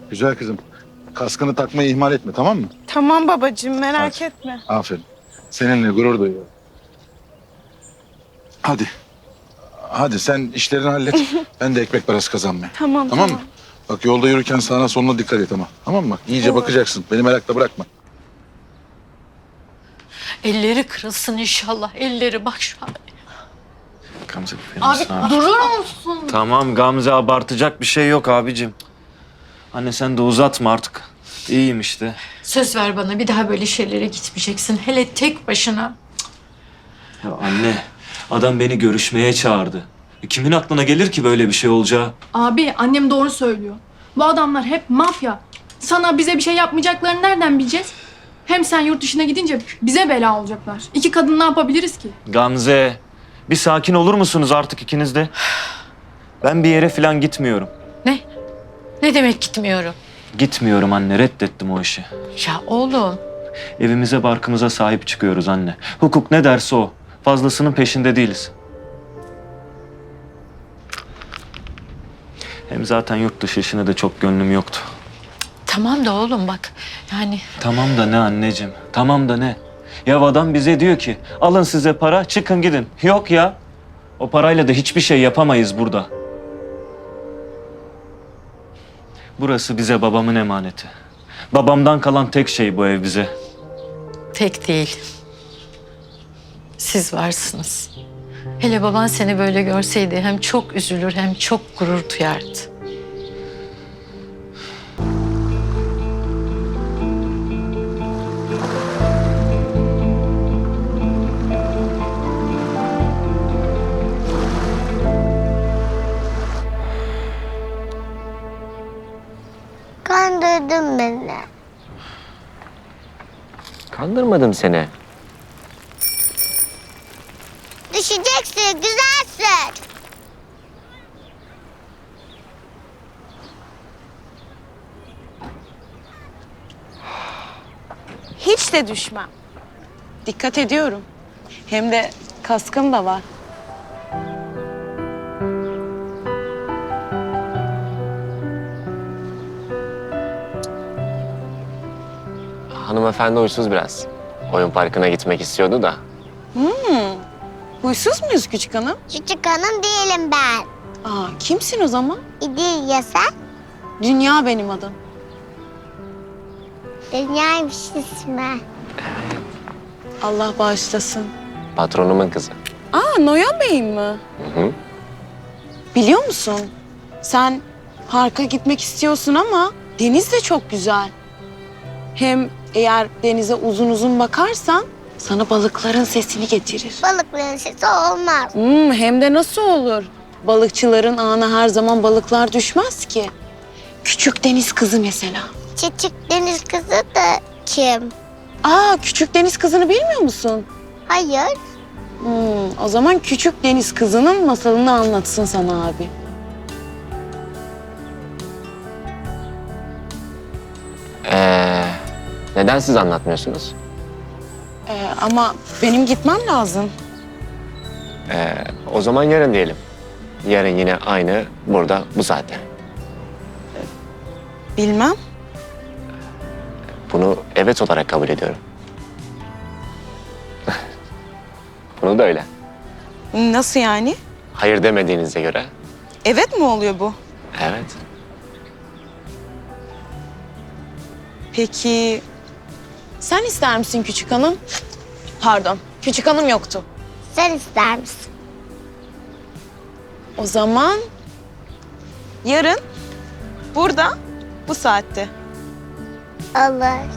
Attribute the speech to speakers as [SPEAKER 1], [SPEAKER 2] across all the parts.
[SPEAKER 1] Güzel kızım. Kaskını takmayı ihmal etme, tamam mı?
[SPEAKER 2] Tamam babacığım, merak
[SPEAKER 1] Hadi.
[SPEAKER 2] etme.
[SPEAKER 1] Aferin. Seninle gurur duyuyorum. Hadi. Hadi sen işlerini hallet. Ben de ekmek parası kazanmaya.
[SPEAKER 2] Tamam,
[SPEAKER 1] Tamam mı? Bak yolda yürürken sağına soluna dikkat et ama. Tamam mı? İyice
[SPEAKER 2] Olur.
[SPEAKER 1] bakacaksın. Beni merakla bırakma.
[SPEAKER 3] Elleri kırılsın inşallah. Elleri bak şu an.
[SPEAKER 4] Gamze
[SPEAKER 3] Abi durur musun?
[SPEAKER 4] Tamam Gamze, abartacak bir şey yok abicim. Anne sen de uzatma artık. İyiyim işte.
[SPEAKER 3] Söz ver bana, bir daha böyle şeylere gitmeyeceksin. Hele tek başına.
[SPEAKER 4] Ya anne, adam beni görüşmeye çağırdı. Kimin aklına gelir ki böyle bir şey olacağı?
[SPEAKER 5] Abi annem doğru söylüyor. Bu adamlar hep mafya. Sana bize bir şey yapmayacaklarını nereden bileceğiz? Hem sen yurt dışına gidince bize bela olacaklar. İki kadın ne yapabiliriz ki?
[SPEAKER 4] Gamze, bir sakin olur musunuz artık ikiniz de? Ben bir yere falan gitmiyorum.
[SPEAKER 3] Ne? Ne demek gitmiyorum?
[SPEAKER 4] Gitmiyorum anne, reddettim o işi.
[SPEAKER 3] Ya oğlum.
[SPEAKER 4] Evimize barkımıza sahip çıkıyoruz anne. Hukuk ne derse o. Fazlasının peşinde değiliz. Hem zaten yurt dışı işine de çok gönlüm yoktu.
[SPEAKER 3] Tamam da oğlum bak. Yani
[SPEAKER 4] Tamam da ne anneciğim? Tamam da ne? Ya adam bize diyor ki alın size para çıkın gidin. Yok ya. O parayla da hiçbir şey yapamayız burada. Burası bize babamın emaneti. Babamdan kalan tek şey bu ev bize.
[SPEAKER 3] tek değil. Siz varsınız. Hele baban seni böyle görseydi hem çok üzülür hem çok gurur duyardı.
[SPEAKER 6] Kandırdın beni.
[SPEAKER 7] Kandırmadım seni.
[SPEAKER 6] Düşeceksin, güzelsin.
[SPEAKER 2] Hiç de düşmem. Dikkat ediyorum. Hem de kaskım da var.
[SPEAKER 7] Hanımefendi huysuz biraz. Oyun parkına gitmek istiyordu da.
[SPEAKER 2] Huysuz muyuz küçük hanım?
[SPEAKER 6] Küçük hanım değilim ben.
[SPEAKER 2] Aa, kimsin o zaman?
[SPEAKER 6] İdil sen?
[SPEAKER 2] Dünya benim adım.
[SPEAKER 6] Dünyaymış ismi.
[SPEAKER 2] Allah bağışlasın.
[SPEAKER 7] Patronumun kızı.
[SPEAKER 2] Aa, Noyan Bey'im mi?
[SPEAKER 7] Hı hı.
[SPEAKER 2] Biliyor musun? Sen parka gitmek istiyorsun ama deniz de çok güzel. Hem eğer denize uzun uzun bakarsan sana balıkların sesini getirir.
[SPEAKER 6] Balıkların sesi olmaz.
[SPEAKER 2] Hem de nasıl olur? Balıkçıların ağına her zaman balıklar düşmez ki. Küçük deniz kızı mesela.
[SPEAKER 6] Küçük deniz kızı da kim?
[SPEAKER 2] Aa, küçük deniz kızını bilmiyor musun?
[SPEAKER 6] Hayır.
[SPEAKER 2] O zaman küçük deniz kızının masalını anlatsın sana abi.
[SPEAKER 7] Neden siz anlatmıyorsunuz?
[SPEAKER 2] Ama benim gitmem lazım.
[SPEAKER 7] O zaman yarın diyelim. Yarın yine aynı burada bu saatte.
[SPEAKER 2] Bilmem.
[SPEAKER 7] Bunu evet olarak kabul ediyorum. Bunu da öyle.
[SPEAKER 2] Nasıl yani?
[SPEAKER 7] Hayır demediğinize göre
[SPEAKER 2] Evet mi oluyor bu?
[SPEAKER 7] evet.
[SPEAKER 2] Peki sen ister misin küçük hanım? Pardon, küçük hanım yoktu.
[SPEAKER 6] Sen ister misin?
[SPEAKER 2] O zaman yarın burada bu saatte.
[SPEAKER 6] Olur.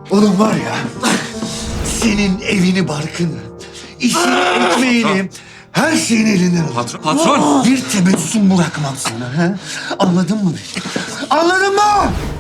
[SPEAKER 8] Oğlum var ya, senin evini barkını, işini ekmeğini, her şeyin elinden alırım.
[SPEAKER 9] Patron!
[SPEAKER 8] Bir tebessüm bırakmam sana. He? Anladın mı beni? Anladın mı?